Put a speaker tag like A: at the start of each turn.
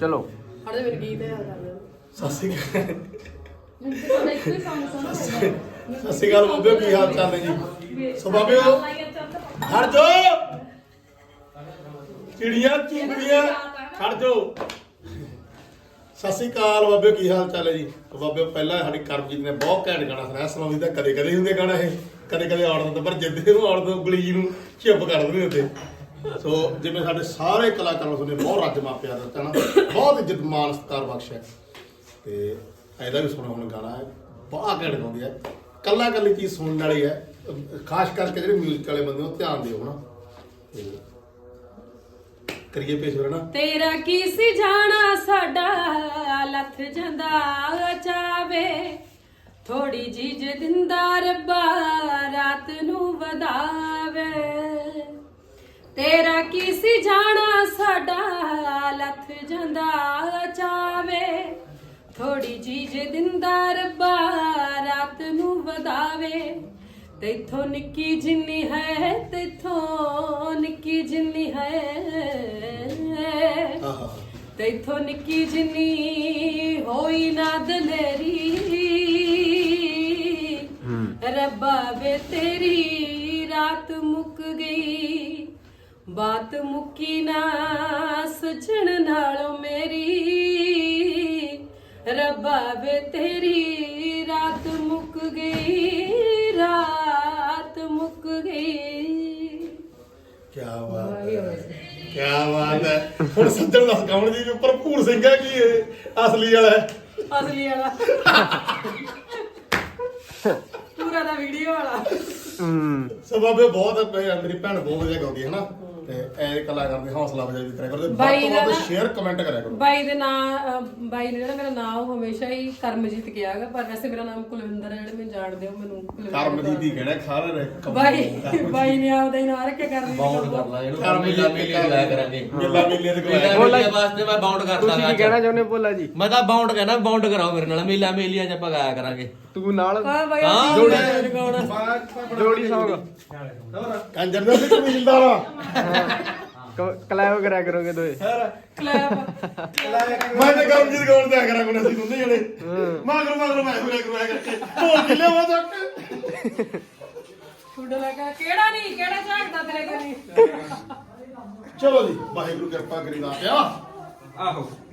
A: ਚਲੋ
B: ਹੜੇ ਮੇਰੇ ਗੀਤ ਯਾਦ ਆ ਗਿਆ
C: ਸਤਿ ਸ਼੍ਰੀ ਅਕਾਲ ਬਾਬਿਓ, ਕੀ ਹਾਲ ਚਾਲ ਹੈ ਜੀ? ਸੋ ਬਾਬਿਓ ਖੜ ਜੋ, ਚਿੜੀਆਂ ਚੁਗਲੀਆਂ ਖੜ ਜੋ। ਸਤਿ ਸ਼੍ਰੀ ਅਕਾਲ ਬਾਬਿਓ, ਕੀ ਹਾਲ ਚਾਲ ਹੈ ਜੀ? ਬਾਬਿਓ ਪਹਿਲਾਂ ਸਾਡੀ ਕਰਮਜੀਤ ਨੇ ਬਹੁਤ ਘੈਂਟ ਗਾਣਾ ਸੁਣਾਇਆ। ਸੁਣਾਉਂਦੀ ਤਾਂ ਕਦੇ ਕਦੇ ਹੁੰਦੇ ਗਾਣਾ ਇਹ, ਕਦੇ ਕਦੇ ਆੜ ਦਿੰਦਾ, ਪਰ ਜਿੱਦੇ ਨੂੰ ਆੜ ਦੋ ਉਂਗਲੀ ਜੀ ਨੂੰ ਚੁੱਪ ਕਰ ਦਿੰਦੇ ਹੁੰਦੇ। ਸੋ ਜਿਵੇਂ ਸਾਡੇ ਸਾਰੇ ਕਲਾਕਾਰਾਂ ਨੂੰ ਬਹੁਤ ਰੱਜ ਮਾਪਿਆ ਦਿੱਤਾ ਨਾ, ਬਹੁਤ ਇੱਜ਼ਤ ਮਾਣ ਸਤਿਕਾਰ ਬਖਸ਼ਿਆ। ਤੇ ਇਹਦਾ ਵੀ ਸੁਣੋ ਹੁਣ ਗਾਣਾ ਹੈ, ਬਹੁਤ ਘੈਂਟ ਗਾਉਂਦੀ ਹੈ। ਕੱਲਾ ਕੱਲੀ ਚੀਜ਼ ਸੁਣਨ ਵਾਲੀ ਹੈ, ਖਾਸ ਕਰਕੇ ਜਿਹੜੇ ਮਿਊਜ਼ਿਕ ਵਾਲੇ ਬੰਦੇ ਉਹ ਧਿਆਨ ਦਿਓ ਨਾ। ਤੇ ਕਰੀਏ ਪੇਸ਼ ਨਾ।
B: ਤੇਰਾ ਕੀ ਸੀ ਜਾਣਾ ਸਾਡਾ ਲੱਥ ਜਾਂਦਾ ਚਾਵੇ, ਥੋੜੀ ਜੀ ਜੇ ਦਿੰਦਾ ਰੱਬਾ ਰਾਤ ਨੂੰ ਵਧਾਵੇ। ਤੇਰਾ ਕੀ ਸੀ ਜਾਣਾ ਸਾਡਾ ਲੱਥ ਜਾਂਦਾ ਚਾਵੇ, ਥੋੜੀ ਜੀ ਜੇ ਦਿੰਦਾ ਰੱਬਾ ਰਾਤ ਨੂੰ ਵਧਾਵੇ। ਤੈਥੋਂ ਨਿੱਕੀ ਜਿੰਨੀ ਹੈ, ਤੈਥੋਂ ਨਿੱਕੀ ਜਿੰਨੀ ਹੈ, ਤੈਥੋਂ ਨਿੱਕੀ ਜਿੰਨੀ ਹੋਈ ਨਾ ਦਲੇਰੀ। ਰੱਬਾ ਵੇ ਤੇਰੀ ਰਾਤ ਮੁੱਕ ਗਈ, ਬਾਤ ਮੁੱਕੀ ਨਾ ਸਜਣ ਨਾਲੋਂ ਮੇਰੀ। ਰੱਬਾ ਵੇ ਤੇਰੀ ਰਾਤ ਮੁੱਕ ਗਈ, ਰਾਤ ਮੁੱਕ ਗਈ।
C: ਕੀ ਬਾਤ ਹੈ, ਕੀ ਬਾਤ ਹੈ। ਹੁਣ ਸੱਜਣ ਦੱਸ ਗਾਉਣ ਜੀ ਭਰਪੂਰ ਸਿੰਘ ਹੈ ਕੀ ਇਹ ਅਸਲੀ ਵਾਲਾ ਹੈ?
B: ਅਸਲੀ ਵਾਲਾ ਪੂਰਾ ਦਾ ਵੀਡੀਓ ਵਾਲਾ।
C: ਸੋ ਬਾਬੇ ਬਹੁਤ ਮੇਰੀ ਭੈਣ ਬਹੁਤ ਵਧੀਆ ਗਾਉਂਦੀ ਹੈ ਨਾ, ਤੇ ਇਹ ਕਲਾਕਾਰ ਦੀ ਹੌਸਲਾ ਅਫਜ਼ਾਈ ਵੀ ਕਰਿਆ ਕਰੋ,
B: ਬਾਈ
C: ਵੱਧ ਤੋਂ
B: ਦਾ
C: ਵੱਧ ਸ਼ੇਅਰ ਕਮੈਂਟ ਕਰਿਆ ਕਰੋ।
B: ਬਾਈ ਦੇ ਨਾਂ, ਬਾਈ ਨੇ ਜਿਹੜਾ ਮੇਰਾ ਨਾਮ ਉਹ ਹਮੇਸ਼ਾ ਹੀ ਕਰਮਜੀਤ ਕਿਹਾ ਹੈਗਾ, ਪਰ ਵੈਸੇ ਮੇਰਾ ਨਾਮ ਕੁਲਵਿੰਦਰ ਹੈ। ਜਿਹੜੇ ਮੈਨੂੰ ਜਾਣਦੇ ਹੋ ਮੈਨੂੰ
C: ਕਰਮਜੀਤ ਹੀ ਕਹਿਣਾ ਖਾਰੇ ਨੇ।
B: ਬਾਈ ਨੇ ਆਪਦਾ ਹੀ ਨਾਂ ਰੱਖਿਆ ਕਰਮਜੀਤ।
D: ਬਾਉਂਡ ਕਰ ਲਾ ਇਹਨੂੰ, ਮੇਲਾ ਮੇਲੇ ਲਾਇਆ ਕਰਾਂਗੇ।
C: ਮੇਲਾ ਮੇਲੇ ਦੇ
D: ਮੇਲਾ ਮੇਲੇ ਵਾਸਤੇ ਮੈਂ ਬਾਉਂਡ ਕਰਦਾ।
A: ਤੁਸੀਂ ਕੀ ਕਹਿਣਾ ਚਾਹੁੰਦੇ ਭੋਲਾ ਜੀ?
D: ਮੈਂ ਤਾਂ ਬਾਉਂਡ ਕਹਿਣਾ, ਬਾਉਂਡ ਕਰਾਓ ਮੇਰੇ ਨਾਲ। ਮੇਲਾ ਮੇਲੀਆਂ ਚ ਆਪਾਂ ਗਾਇਆ ਕਰਾਂਗੇ।
A: ਤੂੰ ਨਾਲ
B: ਹਾਂ ਬਾਈ
D: ਹਾਂ,
A: ਜੋੜੀ ਸੌਂਗ
C: ਕੰਜਰ ਦਾ ਵੀ ਕਬੀਲਦਾਰ ਆ।
A: ਕਲੈਬ ਕਰਿਆ ਕਰੋਗੇ ਦੋਏ।
B: ਕਲੈਪ
C: ਮੈਂ ਤੇ ਕਰਮਜੀਤ ਗਾਉਣ ਤੇ ਆ ਕਰਾਂ ਕੋਣ ਅਸੀਂ ਦੋਨੇ ਜਣੇ ਮਗਰ ਮਗਰ ਮੈਂ ਹੋਇਆ ਕਰਵਾਇਆ ਕਰਕੇ ਢੋਲ ਕਿੱਲੇ ਵਾ ਤੱਕ
B: ਫੁੱਡ ਲਗਾ ਕਿਹੜਾ ਨਹੀਂ, ਕਿਹੜਾ ਝਾਕਦਾ ਤੇਰੇ ਕੋਲ ਨਹੀਂ।
C: ਚਲੋ ਜੀ, ਵਾਹਿਗੁਰੂ ਕਿਰਪਾ ਕਰੀ ਦਾ ਪਿਆ।
A: ਆਹੋ